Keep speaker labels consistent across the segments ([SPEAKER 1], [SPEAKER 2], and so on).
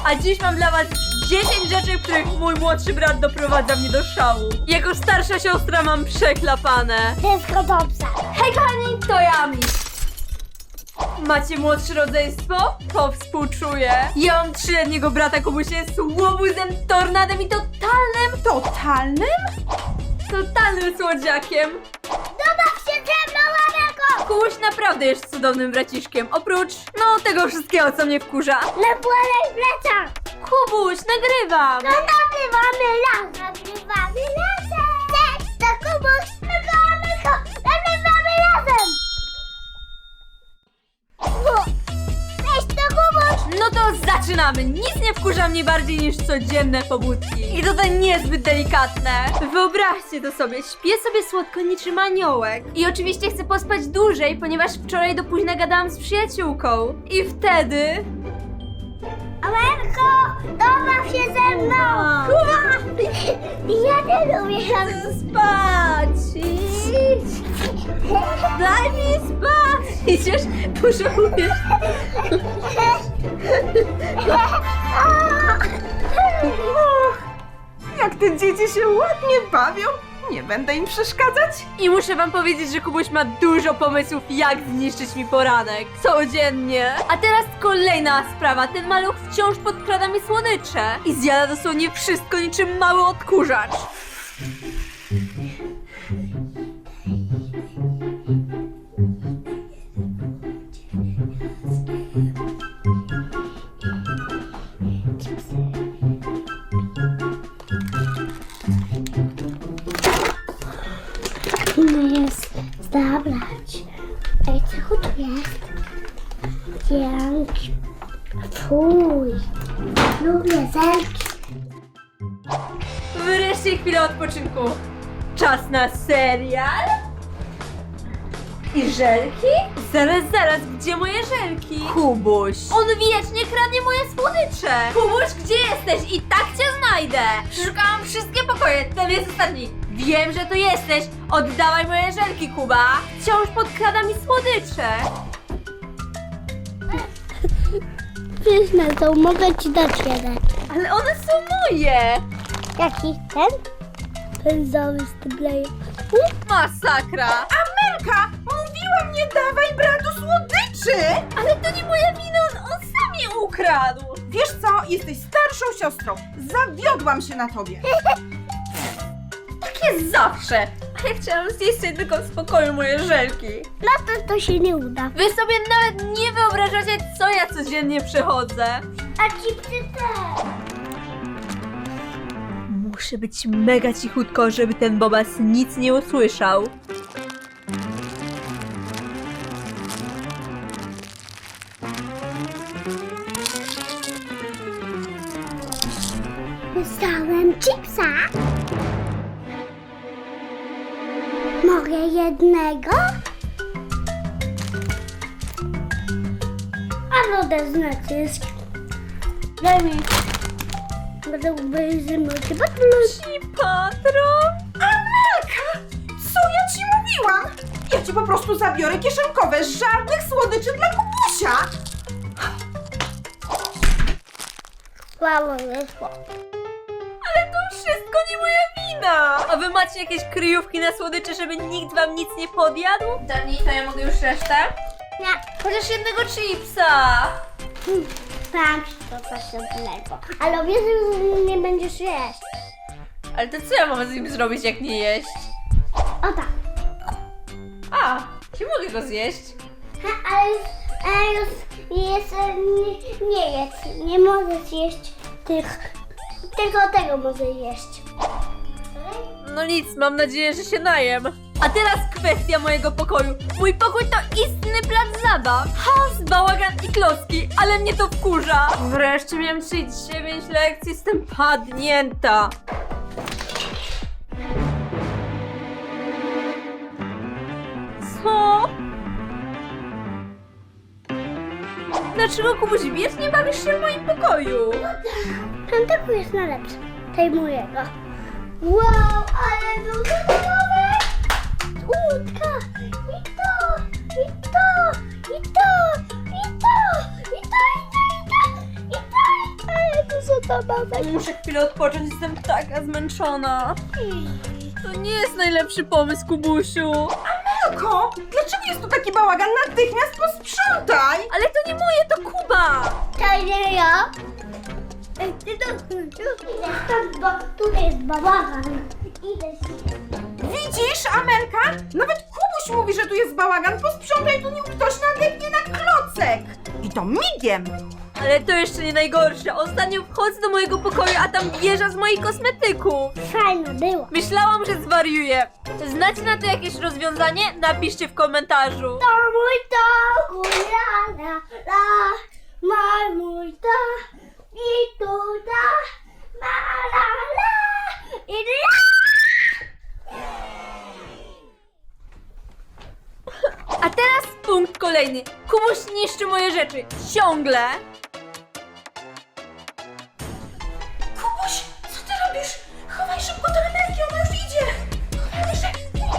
[SPEAKER 1] A dziś mam dla was 10 rzeczy, których mój młodszy brat doprowadza mnie do szału. Jako starsza siostra mam przeklapane.
[SPEAKER 2] Wszystko dobrze.
[SPEAKER 1] Hej kochani, to ja, Ami. Macie młodsze rodzeństwo? To współczuję. Ja mam 3-letniego brata, Kubuś jest łobuzem, tornadem i totalnym słodziakiem.
[SPEAKER 2] Dobaw się ze mną, Amelko!
[SPEAKER 1] Kubuś naprawdę jest cudownym braciszkiem, oprócz, tego wszystkiego, co mnie wkurza.
[SPEAKER 2] Napłynąć plecak!
[SPEAKER 1] Kubuś, nagrywam!
[SPEAKER 2] No nagrywamy razem! Nagrywamy razem! Cześć, to Kubuś! Amelko! Nagrywamy razem! Cześć, to Kubuś!
[SPEAKER 1] No to zaczynamy! Nic nie wkurza mnie bardziej niż codzienne pobudki. I to niezbyt delikatne. Wyobraźcie to sobie, śpię sobie słodko niczym aniołek. I oczywiście chcę pospać dłużej, ponieważ wczoraj do późna gadałam z przyjaciółką. I wtedy...
[SPEAKER 2] Amelko! Dobaw się ze mną! Ja nie lubię
[SPEAKER 1] Spać! Idź! Daj mi spać! Idziesz? Pożałujesz.
[SPEAKER 3] Jak te dzieci się ładnie bawią, nie będę im przeszkadzać.
[SPEAKER 1] I muszę wam powiedzieć, że Kubuś ma dużo pomysłów, jak zniszczyć mi poranek. Codziennie. A teraz kolejna sprawa. Ten maluch wciąż podkrada mi słodycze. I zjada dosłownie wszystko niczym mały odkurzacz.
[SPEAKER 2] No jest zabrać. Ej, co tu jest? Dzięki. Fuj. Lubię zelki.
[SPEAKER 1] Wreszcie chwila odpoczynku. Czas na serial? I żelki? Zaraz, gdzie moje żelki? Kubuś. On wiecznie kradnie moje słodycze. Kubuś, gdzie jesteś? I tak cię znajdę. Przeszukałam wszystkie pokoje, ten jest ostatni. Wiem, że tu jesteś. Oddawaj moje żelki, Kuba. Wciąż podkrada mi słodycze.
[SPEAKER 2] Pyszne to, mogę ci dać jeden.
[SPEAKER 1] Ale one są moje.
[SPEAKER 2] Jaki? Ten? Pędzowy z tyblejem.
[SPEAKER 1] Masakra.
[SPEAKER 3] Amelka, mówiłam, nie dawaj bratu słodyczy!
[SPEAKER 1] Ale to nie moja wina, on sam je ukradł.
[SPEAKER 3] Wiesz co, jesteś starszą siostrą. Zawiodłam się na tobie.
[SPEAKER 1] Tak jest zawsze. A ja chciałam zjeść sobie tylko w spokoju moje żelki.
[SPEAKER 2] No to się nie uda.
[SPEAKER 1] Wy sobie nawet nie wyobrażacie, co ja codziennie przechodzę.
[SPEAKER 2] A chipsy też.
[SPEAKER 1] Muszę być mega cichutko, żeby ten bobas nic nie usłyszał.
[SPEAKER 2] Dostałem chipsa. Mogę jednego? A wodę z nacisk. Daj mi. Będę ubejrzymy chyba
[SPEAKER 1] I patron?
[SPEAKER 3] Amelka, co ja ci mówiłam? Ja ci po prostu zabiorę kieszonkowe, żadnych słodyczy dla Kubusia.
[SPEAKER 2] Słabo wyszło.
[SPEAKER 1] Ale to wszystko nie moja wina. A wy macie jakieś kryjówki na słodycze, żeby nikt wam nic nie podjadł? Dani, to ja mogę już resztę?
[SPEAKER 2] Nie.
[SPEAKER 1] Chociaż jednego chipsa.
[SPEAKER 2] Tam się to coś odlego. Ale obiecuję, że nie będziesz jeść.
[SPEAKER 1] Ale to co ja mam z nim zrobić, jak nie jeść?
[SPEAKER 2] O tak.
[SPEAKER 1] A, czy mogę go zjeść?
[SPEAKER 2] Ale już jest, nie jedz. Nie możesz jeść tylko tego możesz jeść.
[SPEAKER 1] No nic, mam nadzieję, że się najem. A teraz kwestia mojego pokoju. Mój pokój to istny plac zabaw. Chaos, bałagan i klocki, ale mnie to wkurza. Wreszcie miałem 9 lekcji, jestem padnięta. Co? Dlaczego, Kubuś, wiecznie bawisz się w moim pokoju?
[SPEAKER 2] Tamtego jest najlepszy. Tej mojego. Wow, ale dużo nowe! Łódka! I to! I to! I to! I to! I to! I to! I to! I to! I to! pomagać.
[SPEAKER 1] Muszę chwilę odpocząć, jestem taka zmęczona. To nie jest najlepszy pomysł, Kubusiu.
[SPEAKER 3] Amelko, dlaczego jest tu taki bałagan? Natychmiast posprzątaj!
[SPEAKER 1] Ale to nie moje, to Kuba.
[SPEAKER 2] To nie ja. Ty to idę stąd, bo tutaj jest bałagan. Idę się.
[SPEAKER 3] Widzisz, Amelka? Nawet Kubuś mówi, że tu jest bałagan. Posprzątaj tu, nim ktoś nadepnie na klocek. I to migiem.
[SPEAKER 1] Ale to jeszcze nie najgorsze. Ostatnio wchodzę do mojego pokoju, a tam wieża z moich kosmetyków.
[SPEAKER 2] Fajno było.
[SPEAKER 1] Myślałam, że zwariuję. Znacie na to jakieś rozwiązanie? Napiszcie w komentarzu.
[SPEAKER 2] To mój to, la la la, ma mój to, i tu da, ma la la, i la.
[SPEAKER 1] A teraz punkt kolejny. Kubuś niszczy moje rzeczy. Ciągle.
[SPEAKER 3] Kubuś, co ty robisz? Chowaj szybko do Amelki, ona już idzie. Chowaj szybko.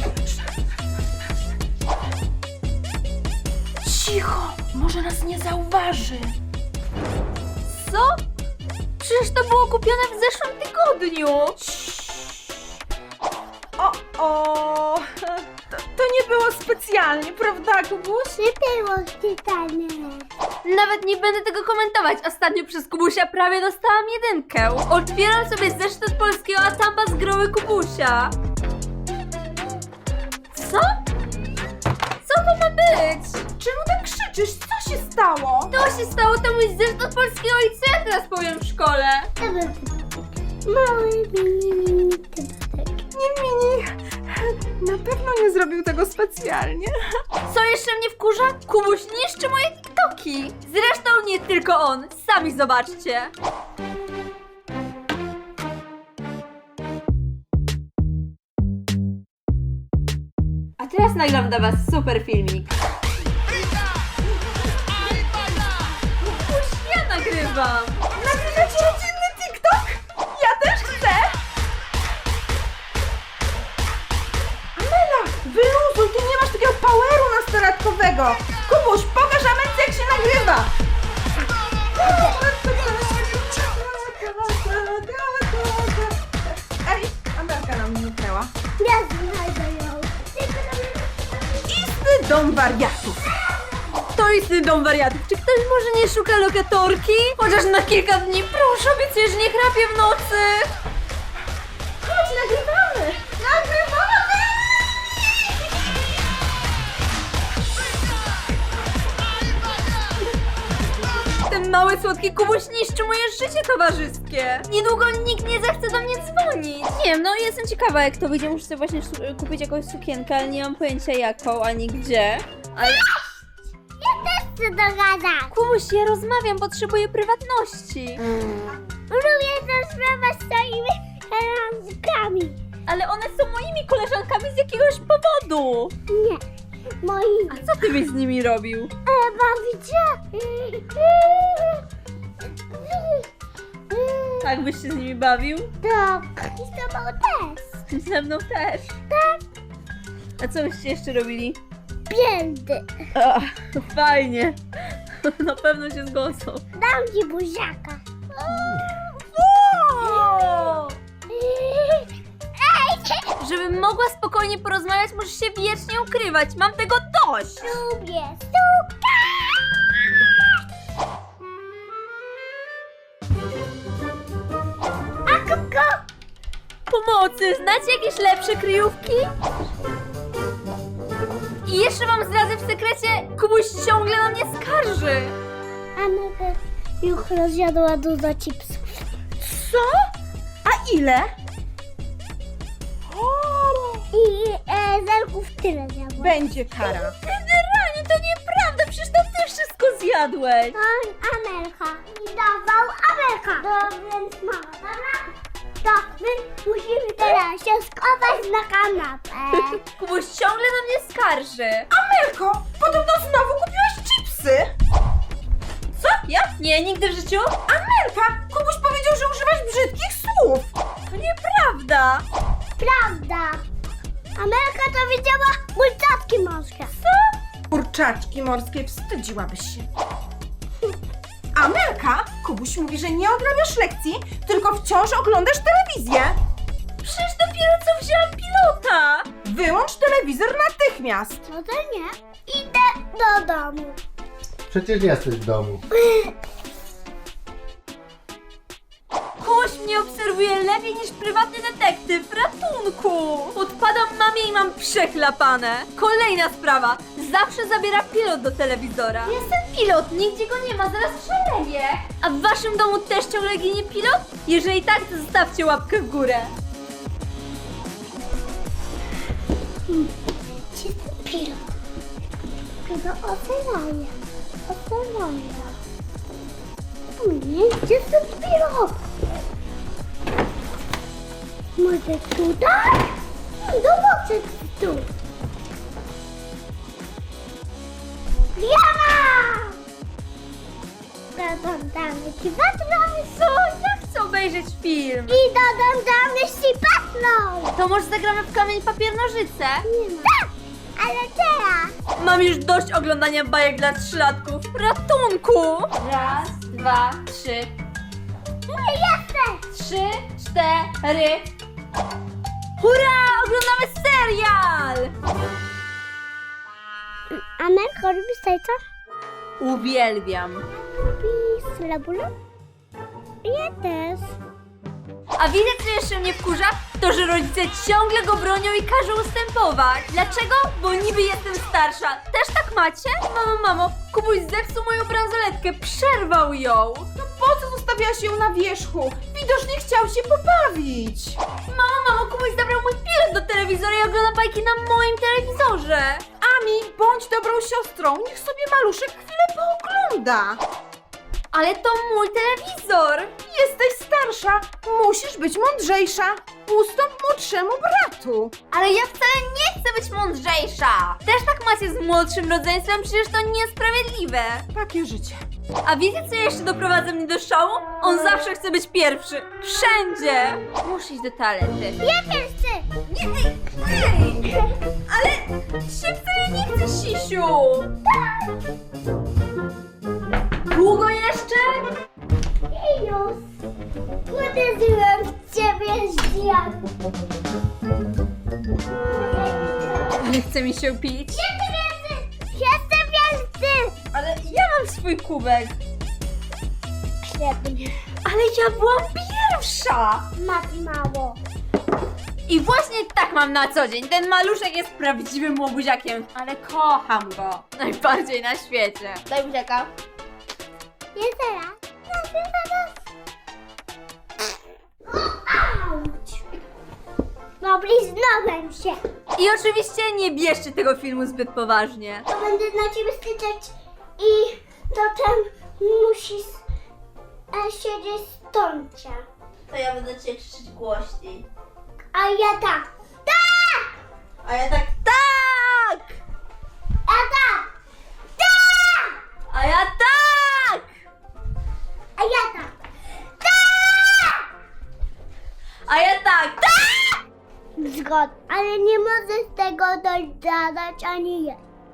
[SPEAKER 3] Cicho, może nas nie zauważy.
[SPEAKER 1] Co? Przecież to było kupione w zeszłym tygodniu.
[SPEAKER 3] O, to nie było specjalnie, prawda, Kubuś?
[SPEAKER 2] Nie było czytane.
[SPEAKER 1] Nawet nie będę tego komentować. Ostatnio przez Kubusia prawie dostałam 1. Otwieram sobie zeszyt od polskiego, a tam bazgroły Kubusia. Co? Co to ma być?
[SPEAKER 3] Czemu tak krzyczysz? Co się stało?
[SPEAKER 1] To się stało, to mój zeszyt od polskiego i co ja teraz powiem w szkole?
[SPEAKER 2] To był mały mini typek.
[SPEAKER 3] Nie, Mini. Na pewno nie zrobił tego specjalnie.
[SPEAKER 1] Co jeszcze mnie wkurza? Kubuś niszczy moje TikToki. Zresztą nie tylko on. Sami zobaczcie. A teraz nagram dla was super filmik. Kubuś, ja nagrywam.
[SPEAKER 3] Nagrywacie rodzinny TikTok? Ja też chcę. Amela, wyluzuj, ty nie masz takiego poweru nastolatkowego. Kubuś, pokaż Amelce, jak się nagrywa. Ej, Amelka nam zniknęła.
[SPEAKER 2] Ja znajdę ją.
[SPEAKER 3] Istny dom wariatów.
[SPEAKER 1] To istny dom wariatów. Czy ktoś może nie szuka lokatorki? Chociaż na kilka dni, proszę, obiecuję, że nie chrapię w nocy.
[SPEAKER 3] Chodź, nagrywamy. Nagrywamy.
[SPEAKER 1] Ten mały, słodki Kubuś niszczy moje życie towarzyskie. Niedługo nikt nie zechce do mnie dzwonić. Nie wiem, no jestem ciekawa, jak to wyjdzie. Muszę sobie właśnie kupić jakąś sukienkę, ale nie mam pojęcia jaką, ani gdzie. Ale
[SPEAKER 2] Ja też chcę dogadać.
[SPEAKER 1] Kubuś, ja rozmawiam, potrzebuję prywatności.
[SPEAKER 2] Lubię tę sprawę z swoimi rączkami.
[SPEAKER 1] Ale one są moimi koleżankami z jakiegoś powodu.
[SPEAKER 2] Nie, moi.
[SPEAKER 1] A co ty byś z nimi robił?
[SPEAKER 2] Bawicie?
[SPEAKER 1] Tak byś się z nimi bawił?
[SPEAKER 2] Tak. I z tobą też.
[SPEAKER 1] Ze mną też.
[SPEAKER 2] Tak.
[SPEAKER 1] A co byście jeszcze robili?
[SPEAKER 2] Pięty.
[SPEAKER 1] Ach, fajnie. Na pewno się zgodzą.
[SPEAKER 2] Dam ci buziaka. Ej,
[SPEAKER 1] Żebym mogła spokojnie porozmawiać, musisz się wiecznie ukrywać. Mam tego dość.
[SPEAKER 2] lubię suka. A kuku?
[SPEAKER 1] Pomocy, znacie jakieś lepsze kryjówki? I jeszcze wam zdradzę w sekrecie, Kubuś ciągle na mnie skarży.
[SPEAKER 2] Amelka już rozjadła dużo chipsów.
[SPEAKER 3] Co? A ile?
[SPEAKER 2] I zerków tyle zjadła.
[SPEAKER 3] Będzie kara.
[SPEAKER 1] Generalnie to nieprawda, przecież to ty wszystko zjadłeś.
[SPEAKER 2] To Amelka. I dawał Amelka. To więc mama, dobra? To my musimy teraz się schować na kanapę.
[SPEAKER 1] Kubuś ciągle na mnie skarży.
[SPEAKER 3] Amelko, podobno znowu kupiłaś chipsy.
[SPEAKER 1] Co? Ja? Nie, nigdy w życiu.
[SPEAKER 3] Amelka, Kubuś powiedział, że używasz brzydkich słów.
[SPEAKER 1] To nieprawda.
[SPEAKER 2] Prawda. Amelka to widziała kurczatki morskie.
[SPEAKER 3] Kurczaczki morskie, wstydziłabyś się. Amelka, Kubuś mówi, że nie odrabiasz lekcji, tylko wciąż oglądasz telewizję.
[SPEAKER 1] Przecież dopiero co wzięłam pilota!
[SPEAKER 3] Wyłącz telewizor natychmiast.
[SPEAKER 2] No to nie. Idę do domu.
[SPEAKER 4] Przecież jesteś w domu.
[SPEAKER 1] Kubuś mnie obserwuje lepiej niż prywatny detektyw. Ratunku! Podpadam mamie i mam przechlapane. Kolejna sprawa. Zawsze zabiera pilot do telewizora. Jestem pilot, nigdzie go nie ma, zaraz szaleję. A w waszym domu też ciągle ginie pilot? Jeżeli tak, to zostawcie łapkę w górę.
[SPEAKER 2] Gdzie ten pilot? Chyba oceniaję. Oceniaję. Nie, gdzie ten pilot? Może tutaj? Zobaczę tu. Diana! Dodam ci patrol.
[SPEAKER 1] Co? Ja chcę obejrzeć film.
[SPEAKER 2] I dodam ci patrol.
[SPEAKER 1] To może zagramy w kamień, papier, nożyce?
[SPEAKER 2] Nie ma. Tak, ale teraz.
[SPEAKER 1] Mam już dość oglądania bajek dla trzylatków. Ratunku! Raz, dwa, trzy.
[SPEAKER 2] Nie jestem.
[SPEAKER 1] 3, 4. Hurra! Oglądamy serial!
[SPEAKER 2] Amelko, lubisz tajca?
[SPEAKER 1] Uwielbiam.
[SPEAKER 2] Lubisz labula? Ja też.
[SPEAKER 1] A wiecie, co jeszcze mnie wkurza? To, że rodzice ciągle go bronią i każą ustępować. Dlaczego? Bo niby jestem starsza. Też tak macie? Mamo, Kubuś zepsuł moją bransoletkę, przerwał ją.
[SPEAKER 3] No po co zostawiałaś ją na wierzchu? Widocznie chciał się pobawić.
[SPEAKER 1] Mamo, Kubuś zabrał mój pilot do telewizora i ogląda bajki na moim telewizorze.
[SPEAKER 3] Ami, bądź dobrą siostrą, niech sobie maluszek chwilę poogląda.
[SPEAKER 1] Ale to mój telewizor.
[SPEAKER 3] Jesteś starsza, musisz być mądrzejsza. Ustąp młodszemu bratu.
[SPEAKER 1] Ale ja wcale nie chcę być mądrzejsza. Też tak macie z młodszym rodzeństwem, przecież to niesprawiedliwe.
[SPEAKER 3] Takie życie.
[SPEAKER 1] A wiecie, co jeszcze doprowadza mnie do szału? On zawsze chce być pierwszy. Wszędzie. Muszę iść do toalety.
[SPEAKER 2] Ja też chcę.
[SPEAKER 1] Ale się wcale nie chce, Sisiu. Długo jeszcze?
[SPEAKER 2] I już. Uderzyłem w ciebie z diabłem.
[SPEAKER 1] Nie chce mi się pić.
[SPEAKER 2] Jestem wielcy.
[SPEAKER 1] Ale ja mam swój kubek.
[SPEAKER 2] Świetnie.
[SPEAKER 1] Ale ja byłam pierwsza.
[SPEAKER 2] Masz mało.
[SPEAKER 1] I właśnie tak mam na co dzień. Ten maluszek jest prawdziwym łobuziakiem, ale kocham go. Najbardziej na świecie. Daj buziaka.
[SPEAKER 2] Nie teraz. Auć. No bliznąłem się.
[SPEAKER 1] I oczywiście nie bierzcie tego filmu zbyt poważnie.
[SPEAKER 2] To będę na ciebie styczeć i potem musisz siedzieć stąd.
[SPEAKER 1] To ja będę cię krzyczeć głośniej.
[SPEAKER 2] A ja tak. Tak!
[SPEAKER 1] A ja tak tak!
[SPEAKER 2] A tak. Tak!
[SPEAKER 1] A ja tak!
[SPEAKER 2] A ja tak. Tak!
[SPEAKER 1] A ja tak tak!
[SPEAKER 2] Zgod, ale nie możesz tego dodać ani jeść.